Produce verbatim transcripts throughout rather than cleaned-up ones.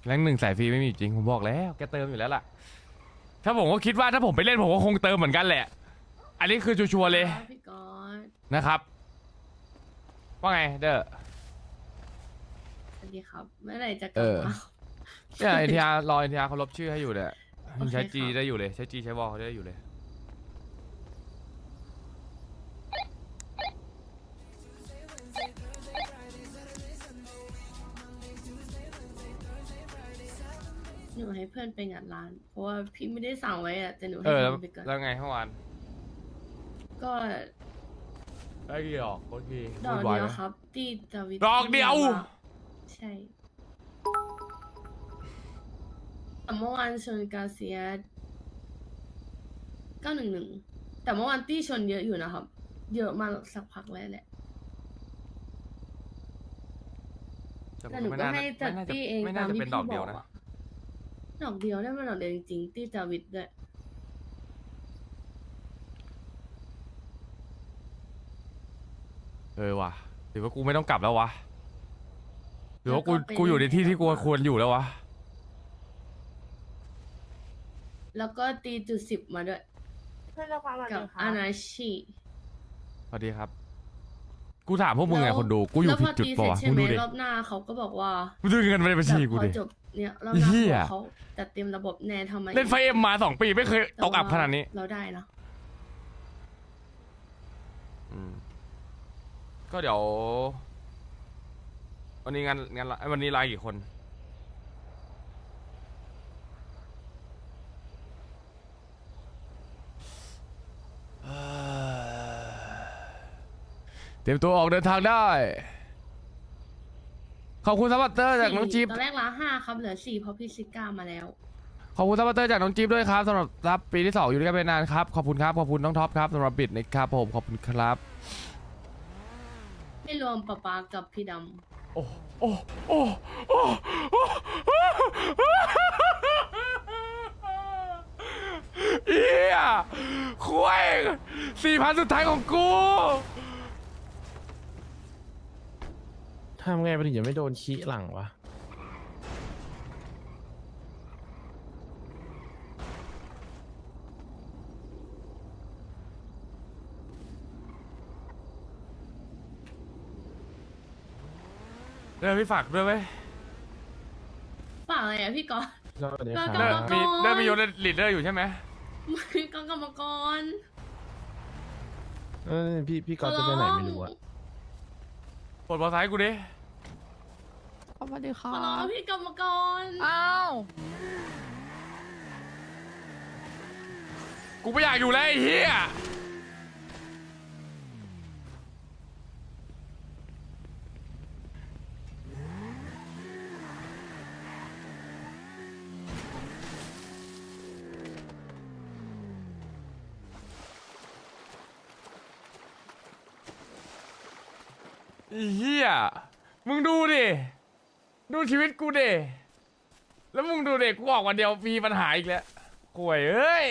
แรงหนึ่งสายฟรีไม่มีจริงผมบอกแล้วแกเติมอยู่แล้วล่ะถ้าผมก็คิดว่าถ้าผมไปเล่นผมก็คงเติมเหมือนกันแหละอันนี้คือชัวร์ๆเลยพี่ก๊อตนะครับว่าไงเด้อสวัสดีครับเมื่อไหร่จะกเอลับอมาเนี่ยเอ็นทีอาร์รอเอ็นทีอาร์เขาลบชื่อให้อยู่เนี่ยโอเคใช้จีครับได้อยู่เลยใช้จีใช้วอลเขาได้อยู่เลยหนูให้เพื่อนไปงานร้าน เพราะว่าพี่ไม่ได้สั่งไว้อะแต่หนูเอให้อแล้วทำไปก่อนแล้วไงเมื่อวานก็ได้กี่ดอกโอเคดอกวุ่นวาเดียวไหมครับตีจาวิดอกเดียวใช่แต่เมื่อวานชนกาเซียเก้าหนึ่งหนึ่งแต่เมื่อวานตี้ชนเยอะอยู่นะครับ เยอะมาสักพักแล้วแหละแต่ผแต่มหนูไม่ก็น่าให้จัดไม่น่าจะตี้เองไม่ตาน่าม จะที่เป็นพี่ดอกบเดียอวกนะอะดอกเดียวได้มาดอกเดียวจริงๆตี้จาวิดด้วยเออว่ะหรือว่ากูไม่ต้องกลับแล้ววะหรือว่ากูแล้วก็ไปกูอยู่ในที่เล่นที่กูให้ดอกควรอยู่แล้ววะแล้วก็ตีจุดสิบมาด้วยเพื่อนเราความหวังกับดีค่ะอานาชิสวัสดีครับ กูถามพวกมึงไงแล้วคนดูกูอยู่แล้วพผิดจุดตีปะเสร็จวะใช่มึงไหมดูดิรอบหน้าเขาก็บอกว่ามึงดูเงินในบัญชีกูแบบดิพอจบเนี่ยรอบหน้าเหี้ยเขาจัดเตรียมระบบแน่ทำไมเล่นไฟเอ็มมาสองปีไม่เคยตกอับขนาดนี้เราได้นะอืมก็เดี๋ยว วันนี้งานงานไอ้วันนี้ไลน์กี่คนเตรียมตัวออกเดินทางได้ ขอบคุณซัพพอร์ตเตอร์จากน้องจิ๊บตอนแรกละห้าครับเหลือสี่เพราะพี่ซิก้ามาแล้วขอบคุณซัพพอร์ตเตอร์จากน้องจิ๊บด้วยครับสำหรับรับปีที่สองอยู่ด้วยกันไปนานครับขอบคุณครับขอบคุณน้องท็อปครับสำหรับบิดนะครับผมขอบคุณครับไม่รวมปะปากับพี่ดโอ้โอ้โอ้โอ้เฮียคุยสี่พันสุดท้ายของกูทำไงไปถึงจะไม่โดนขี้หลังวะเดินพี่ฝากด้วยไหมำฝ่าอะไรอะพี่ก๊อตสวัสดีคกรรัรบมเดินมีเดินมีโยนลีดเดอร์อยู่ใช่ไหมพี่ก๊อตกรรมกรเออพี่พี่ก๊อตจะไปไหนไม่รู้อะปลดบอลซ้ายกูดิสวัสดีขค่ะอร้องพี่กรรมกรอ้าวกูไม่อยากอยู่แล้วไอ้เฮียไอ้เฮียมึงดูดิ ดูชีวิตกูดิแล้วมึงดูเด็กกูออกวันเดียวมีปัญหาอีกแล้วห่วยเอ้ย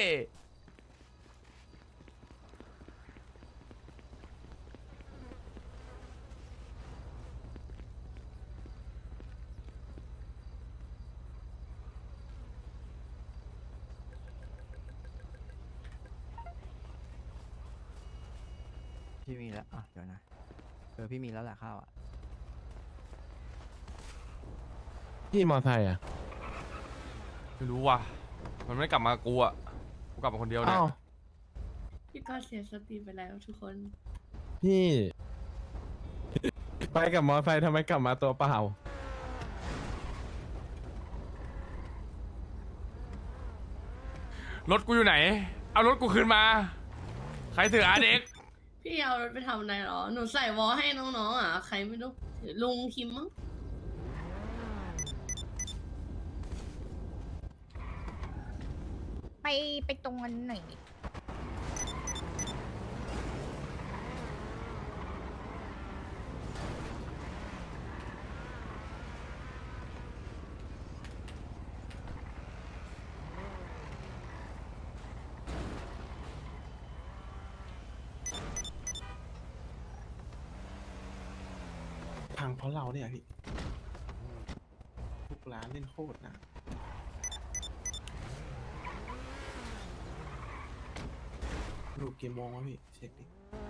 พี่มีแล้วอ่ะเดี๋ยวนะเออพี่มีแล้วแหละข้าวอ่ะพี่มอไซค์อะไม่รู้ว่ะ มันไม่กลับมากูอ่ะ กูกลับมาคนเดียวเนี่ยอ้าวพี่ก๊อตเสียสติไปแล้วทุกคนพี่ ไปกับมอไซค์ทำไมกลับมาตัวเปล่ารถกูอยู่ไหน เอารถกูคืนมา ใครถืออาเด็กพี่เอารถไปทำอะไรหรอ หนูใส่วอลให้น้องๆอ่ะ ใครไม่รู้ถือลุงคิมมั้งไปไปตรงนั้นหน่อยดิพังเพราะเราเนี่ยพี่ทุกล้านเล่นโคตรนะลูกกี่โมงวะพี่เช็คดิ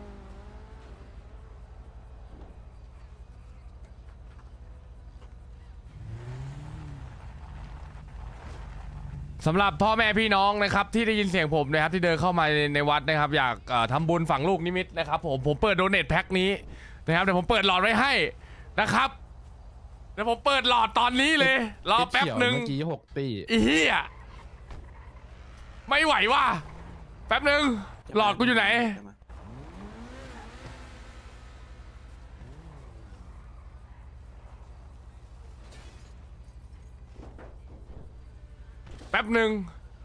สำหรับพ่อแม่พี่น้องนะครับที่ได้ยินเสียงผมนะครับที่เดินเข้ามาในในวัดนะครับอยากเอ่อทำบุญฝังลูกนิมิตนะครับผมผมเปิดโดเนทแพ็คนี้นะครับเดี๋ยวผมเปิดหลอดไว้ให้นะครับเดี๋ยวผมเปิดหลอดตอนนี้เลยรอแป๊บหนึ่งเมื่อกี้หกตีอีเหี้ยไม่ไหวว่ะแป๊บหนึ่งหลอดกูอยู่ไหนแป๊บหนึ่ง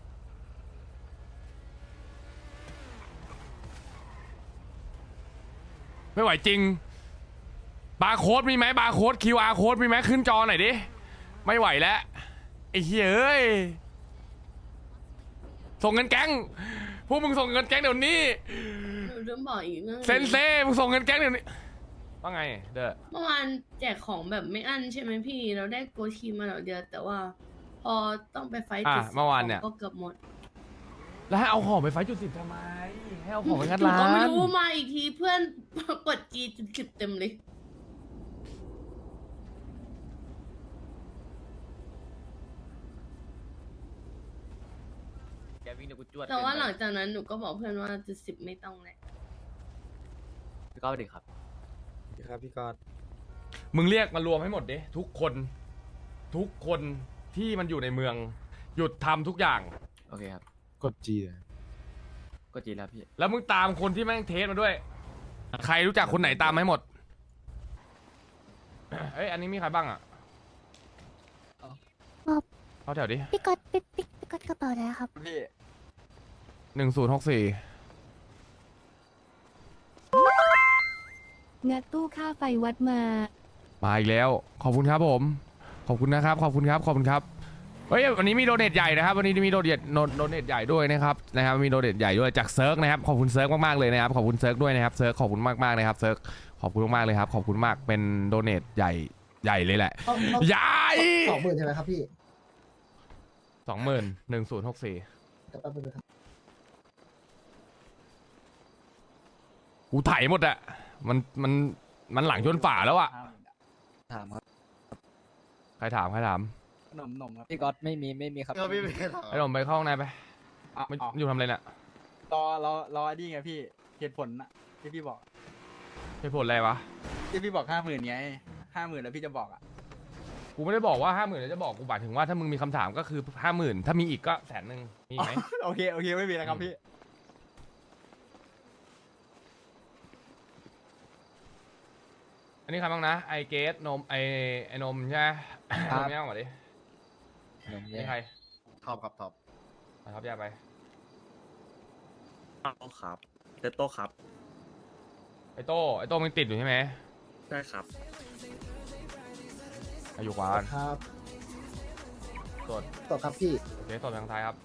ไม่ไหวจริงบาร์โค้ดมีไหมบาร์โค้ด คิว อาร์ โค้ดมีไหมขึ้นจอหน่อยดิไม่ไหวแล้วไอ้เหี้ยเอ้ยส่งเงินแก๊งพวกมึงส่งเงินแก๊งเดี๋ยวนี้หนูเริ่มบอกอีกเรื่องเซนเซ่มึงส่งเงินแก๊งเดี๋ยวนี้ว่าไงเด้อเมื่อวานแจกของแบบไม่อั้นใช่ไหมพี่เราได้โกชีมาหน่อยเดียวแต่ว่า พอต้องไปไฟท์อ่ะจุดสิบเมื่อวานเนี่ยของก็เกือบหมดแล้วให้เอาของไปไฟจุดสิบทำไมให้เอาของไปงัดหนูร้าก็ไม่นรู้มาอีกทีเพื่อน กดจีจุดสิบเต็มเลยแกวิ่งเดี๋ยวกูจวดแต่ว่าหลังจากนั้นหนูก็บอกเพื่อนว่าจุดสิบไม่ต้องแล้วพี่ก้าวสวัสดีครับครับพี่กอดมึงเรียกมารวมให้หมดดิทุกคนทุกคนที่มันอยู่ในเมืองหยุดทำทุกอย่างโอเคครับกดจีเลยก็จีแล้วพี่แล้วมึงตามคนที่แม่งเทสมาด้วย ใครรู้จักคนไหนตามมาให้หมด เอ้ยอันนี้มีใครบ้างอ่ะครับเข้าแถวดิพี่ก๊อตพี่พี่พี่ก๊อตกระเป๋าอะไรครับพี่หนึ่งศูนย์หกสี่งัดตู้ค่าไฟวัดมามาอีกแล้ว ขอบคุณครับผม ขอบคุณนะครับ ขอบคุณครับขอบคุณครับเฮ้ยวันนี้มีโดเนทใหญ่นะครับวันนี้มีโดเนทโดเนทใหญ่ด้วยนะครับนะครับมีโดเนทใหญ่ด้วยจากเซิร์กนะครับขอบคุณเซิร์กมากๆเลยนะครับขอบคุณเซิร์กด้วยนะครับเซิร์กขอบคุณมากๆเลยครับเซิร์กขอบคุณมากๆเลยครับขอบคุณมากเป็นโดเนทใหญ่ใหญ่เลยแหละใหญ่สองหมื่นใช่ไหมครับพี่สองหมื่นหนึ่งศูนย์หกสี่แป๊บนึงนะครับกูถ่ายหมดอะมันมันมันหลังชนฝาแล้วอะถามครับใครถามใครถามขนมนมครับพี่กอดไม่มีไม่มีครับไอ้หนุ่มไปเข้าห้องในไปอ่ะไม่อ๋ออยู่ทำอะไรเนี่ยรอรอรอไอ้นี่ไงพี่เหตุผลน่ะที่พี่บอกเหตุผลอะไรวะที่พี่บอกห้าหมื่นไงห้าหมื่นแล้วพี่จะบอกอ่ะกูไม่ได้บอกว่าห้าหมื่นจะบอกกูหมายถึงว่าถ้ามึงมีคำถามก็คือห้าหมื่นถ้ามีอีกก็แสนหนึ่งมีไหมโอเคโอเคไม่มีแล้วครับพี่อันนี้ใครบ้างนะไอเกสนมไอไอนมใช่ไหมนมย่างก่อนดินมนี่ใครท็อปครับท็อปมาครับย่าไปโต้ครับเตโต้ครับไอโต้ไอโต้มึงติดอยู่ใช่ไหมใช่ครับอายุขวาครับสดต่อครับพี่โอเคสดทางซ้ายครับ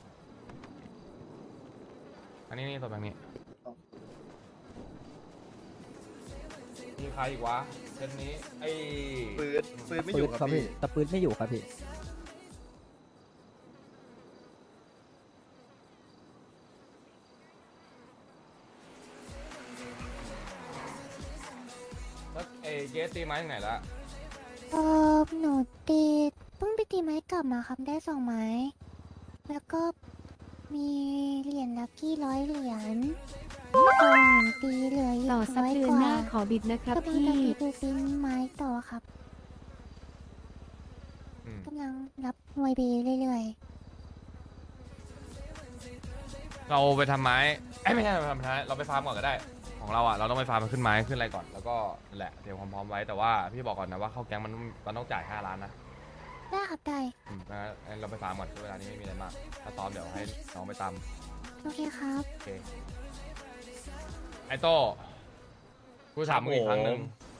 อันนี้นี่สดทางนี้มีใครอีกวะเช่นนี้ไอปืนปืนไม่อยู่ครับพี่แต่ปืนไม่อยู่ครับพี่แล้วไอเกสตีไม้ที่ไหนละเออหนูตีเพิ่งไปตีไม้กลับมาครับได้สองไม้ แล้วก็มีเหรียญลัคกี้ร้อยเหรียญส่งตีเหลืออีกต่อสักร้อยเดือก นว่าหน้าขอบิดนะครับกำลังพี่จะไปดูตีไม้ต่อครับอืมกำลังรับหน่วยเบเรื่อยเราไปทำไม้ไอ้ยไม่ใช่เราไปทำไม้เราไปฟาร์มก่อนก็ได้ ของเราอ่ะเราต้องไปฟาร์มมันขึ้นไม้ขึ้นอะไรก่อนแล้วก็นั่นแหละเตรียมความพร้อมไว้แต่ว่าพี่บอกก่อนนะว่าเข้าแก๊งมันมันต้องจ่ายห้าล้านนะๆได้ครับได้อืมงั้นเราไปฟาร์มก่อนเวลานี้ไม่มีอะไรมากถ้าซ้อมเดี๋ยวให้น้องไปตามโอเคครับโอเคไอโต้กูถามมึงอีกครั้งหนึ่ง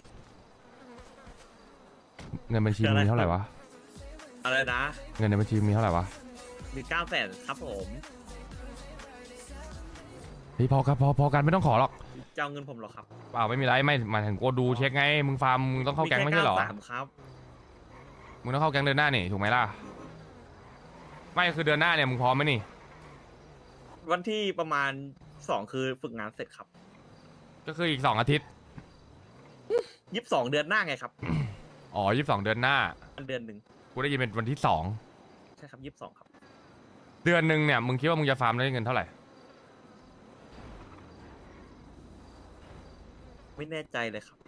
เงินบัญชีมึงมีเท่าไหร่วะอะไรนะเงินในบัญชีมีเท่าไหร่วะมีเก้าแสนครับผมพี่พอครับพอพอกันไม่ต้องขอหรอกจะเอาเงินผมเหรอครับเปล่าไม่มีไรไม่หมายถึงกูดูเช็คไงมึงฟาร์มมึงต้องเข้าแก๊งไม่ใช่เหรอแค่เก้าสามครับมึงต้องเข้าแก๊งเดือนหน้านี่ถูกไหมล่ะไม่คือเดือนหน้าเนี่ยมึงพร้อมไหมนี่วันที่ประมาณสองคือฝึกงานเสร็จครับก็คืออีกสองอาทิตย์ยี่สิบสองเดือนหน้าไงครับอ๋อยี่สิบสองเดือนหน้าอันเดือนหนึ่งกูได้ยินเป็นวันที่สองใช่ครับยี่สิบสองครับเดือนหนึ่งเนี่ยมึงคิดว่ามึงจะฟาร์มได้เงินเท่าไหร่ไม่แน่ใจเลยครับ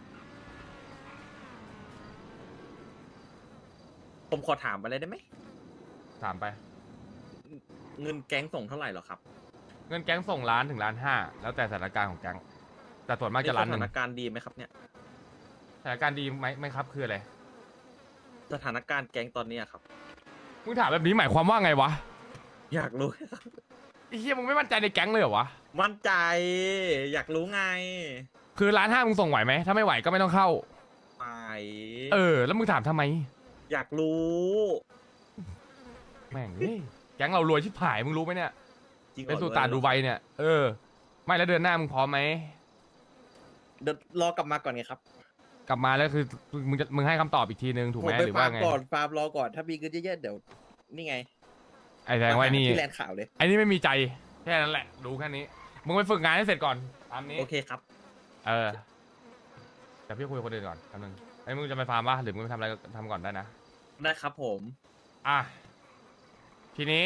ผมขอถามอะไรได้ไหมถามไปเงินแก๊งส่งเท่าไหร่เหรอครับเงินแก๊งส่งล้านถึงล้านห้าแล้วแต่สถานการณ์ของแก๊งแต่ส่วนมากจะล้านหสนึ่งถานการณ์ดีไหมครับเนี่ยสถานการณ์ดีไหมไม่ครับคืออะไรสถานการณ์แก๊งตอนนี้อะครับมึงถามแบบนี้หมายความว่าไงวะอยากรู้ไอ้เหี้ยมึงไม่มั่นใจในแก๊งเลยเหรอวะมั่นใจ อยากรู้ไงคือล้านห้ามึงส่งไหวไหมถ้าไม่ไหวก็ไม่ต้องเข้าไปเออแล้วมึงถามทำไมอยากรู้แม่งเอ้ยแก๊งเรารวยชิบหายมึงรู้ไหมเนี่ยจริงหรอเป็นสุตานดูไบเนี่ยเออไม่แล้วเดือนหน้ามึงพร้อมไหมเดี๋ยวรอกลับมาก่อนไงครับกลับมาแล้วคือมึงจะมึงให้คำตอบอีกทีนึงถูกไหมผปหรือว่าฟร์มไงก่อนฟาร์มรอก่อน ถ้ามีเงินเยอะๆเดี๋ยว นี่ไงไอ้แสดงว่าไอ้นี่ที่แลนด์ข่าวเลยไอ้นี่ไม่มีใจแค่นั้นแหละรู้แค่นี้มึงไปฝึกงานให้เสร็จก่อนตามนี้โอเคครับเออแต่พี่คุยกับคนอื่นก่อนคำนึงไอ้มึงจะไปฟาร์มปะหรือมึงไปทำอะไรก็ทำก่อนได้นะได้ครับผมอ่ะทีนี้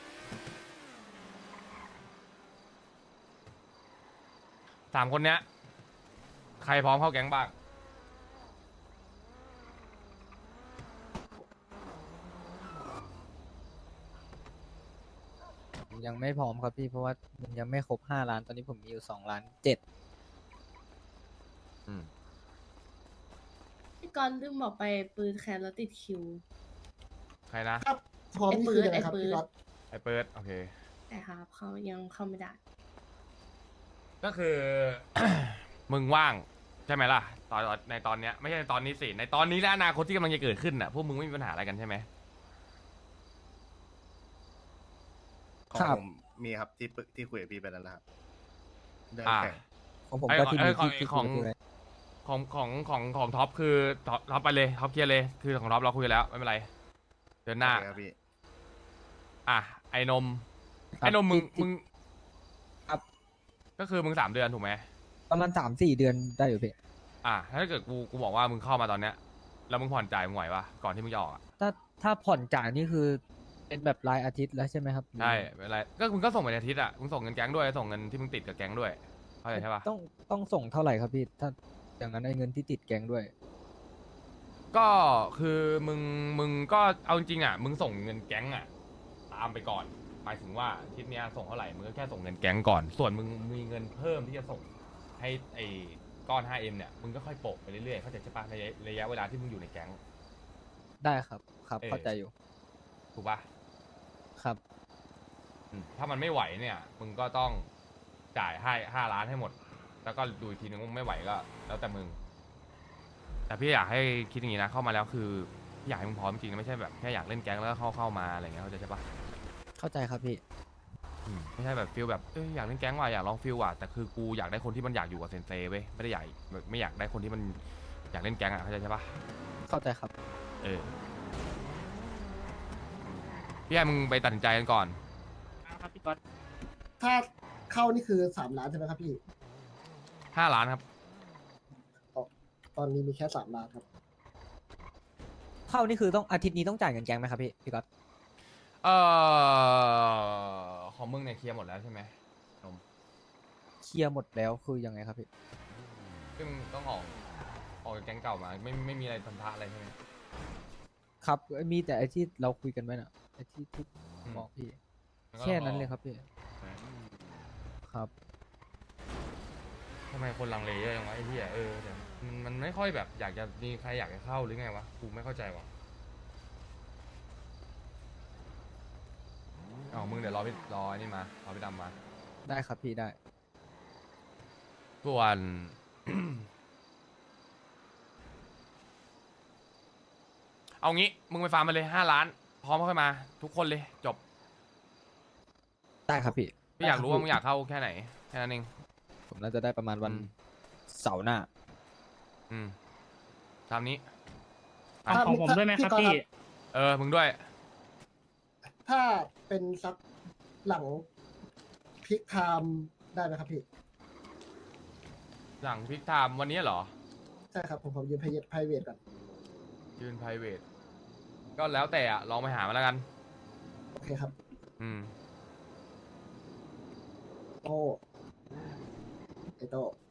สามคนเนี้ยใครพร้อมเข้าแก๊งบ้างยังไม่พร้อมครับพี่เพราะว่ามันยังไม่ครบห้าล้านตอนนี้ผมมีอยู่สองล้านเจ็ดอืมพี่กรณ์ลืมบอกไปปืนแคนแล้วติดคิวใครนะพร้อมนี่คือยังไงครับไอ้ปืนพี่ก๊อตไอ้เปิดโอเคแต่ครับเขายังเข้าไม่ได้ก็คือ มึงว่างใช่ไหมล่ะตอนในตอนเนี้ยไม่ใช่ในตอนนี้สิในตอนนี้และอนาคตที่กำลังจะเกิดขึ้นน่ะพวกมึงไม่มีปัญหาอะไรกันใช่ไหมของผมมีครับที่ปรึกที่คุยกับพี่ไปแล้วนะครับเรื่องอ่าแข่งของผมไอ้ก็ของที่ไอ้มีของที่ที่ของคุยไว้ของของของของท็อปคือท็อปท็อปไปเลยท็อปเคลียร์เลยคือของท็อปเราคุยกันแล้วไม่เป็นไรเดินหน้าโอเคครับพี่อ่ะไอ้นมครับไอ้นมมึงที่มึงครับก็คือมึงสามเดือนถูกไหมประมาณสามสี่เดือนได้อยู่พี่อ่ะถ้าเกิดกูกูบอกว่ามึงเข้ามาตอนเนี้ยแล้วมึงผ่อนจ่ายมึงไหวปะก่อนที่มึงจะออกอ่ะถ้าถ้าผ่อนจ่ายนี่คือเป็นแบบรายอาทิตย์แล้วใช่ไหมครับใช่ไม่เป็นไรก็มึงก็ส่งไปอาทิตย์อ่ะมึงส่งเงินแก๊งด้วยส่งเงินที่มึงติดกับแก๊งด้วยเข้าใจใช่ปะต้องต้องส่งเท่าไหร่ครับพี่ถ้าอย่างนั้นไอ้เงินที่ติดแกงด้วยก็คือมึงมึงก็เอาจริงๆอ่ะมึงส่งเงินแก๊งอ่ะตามไปก่อนหมายถึงว่าอาทิตย์เนี้ยส่งเท่าไหร่มึงก็แค่ส่งเงินแก๊งก่อน ส่วนมึงมีเงินเพิ่มที่จะส่งให้ไอ้ก้อน ไฟว์ เอ็ม เนี่ยมึงก็ค่อยโปะไปเรื่อยๆเข้าใจใช่ปะในระยะเวลาที่มึงอยู่ในแก๊งได้ครับครับเออเข้าใจอยู่ถูกปะครับอืมถ้ามันไม่ไหวเนี่ย มึงก็ต้องจ่ายให้ห้าล้านให้หมด แล้วก็ดูอีกทีนึงว่าไม่ไหวก็ แล้วแต่มึง แต่พี่อยากให้คิดอย่างนี้นะเข้ามาแล้วคือพี่อยากให้มึงพร้อมจริงนะไม่ใช่แบบแค่อยากเล่นแก๊งแล้วก็เข้าเข้ามาอะไรเงี้ยเข้าใจใช่ปะเข้าใจครับพี่อืมไม่ใช่แบบฟิลแบบเอ้ยอยากเล่นแก๊งว่ะอยากลองฟิลว่ะแต่คือกูอยากได้คนที่มันอยากอยู่กับเซนเซเว้ยไม่ได้อยากแบบไม่อยากได้คนที่มันอยากเล่นแก๊งอ่ะเข้าใจใช่ปะเข้าใจครับเออพี่ให้มึงไปตัดสินใจกันก่อนครับพี่ก๊อตถ้าเข้านี่คือสามล้านใช่ไหมครับพี่ห้าล้านครับตอนนี้มีแค่สามล้านครับเข้านี่คือต้องอาทิตย์นี้ต้องจ่ายเงินแกงไหมครับพี่พี่ก๊อตเออของมึงเนี่ยเคลียร์หมดแล้วใช่ไหมนมเคลียร์หมดแล้วคือยังไงครับพี่ซึ่งต้องออกออกจากแก๊งเก่ามาไม่ไม่มีอะไรพันธะอะไรใช่ไหมครับมีแต่ไอที่เราคุยกันไว้น่ะไอที่ที่อืมบอกพี่แล้วก็แค่นั้นเลยครับพี่ครับทำไมคนลังเลเยอะจังวะไอ้เหี้ยเออเดี๋ยวมันมันไม่ค่อยแบบอยากจะมีใครอยากจะเข้าหรือไงวะกูไม่เข้าใจวะอ๋อมึงเดี๋ยวรอพี่รอไอ้นี่มารอพี่ดำมาได้ครับพี่ได้ส่วน เอางี้มึงไปฟาร์มมาเลยห้าล้าน พร้อมเข้ามา ทุกคนเลยจบได้ครับพี่พี่อยากรู้ว่ามึงอยากเข้าแค่ไหนแค่นั้นเองผมน่าจะได้ประมาณวันอืมเสาร์หน้าอืมตามนี้อ่ะถ้าของผมด้วยไหมครับก๊อตพี่เออมึงด้วยถ้าเป็นสักหลังพิกไทม์ได้ไหมครับพี่หลังพิกไทม์วันนี้เหรอใช่ครับผมผมยืนไพไพเวทก่อนยืน private ก็แล้วแต่อะลองไปหามาแล้วกันโอเคครับอืมโอ้ไอโต้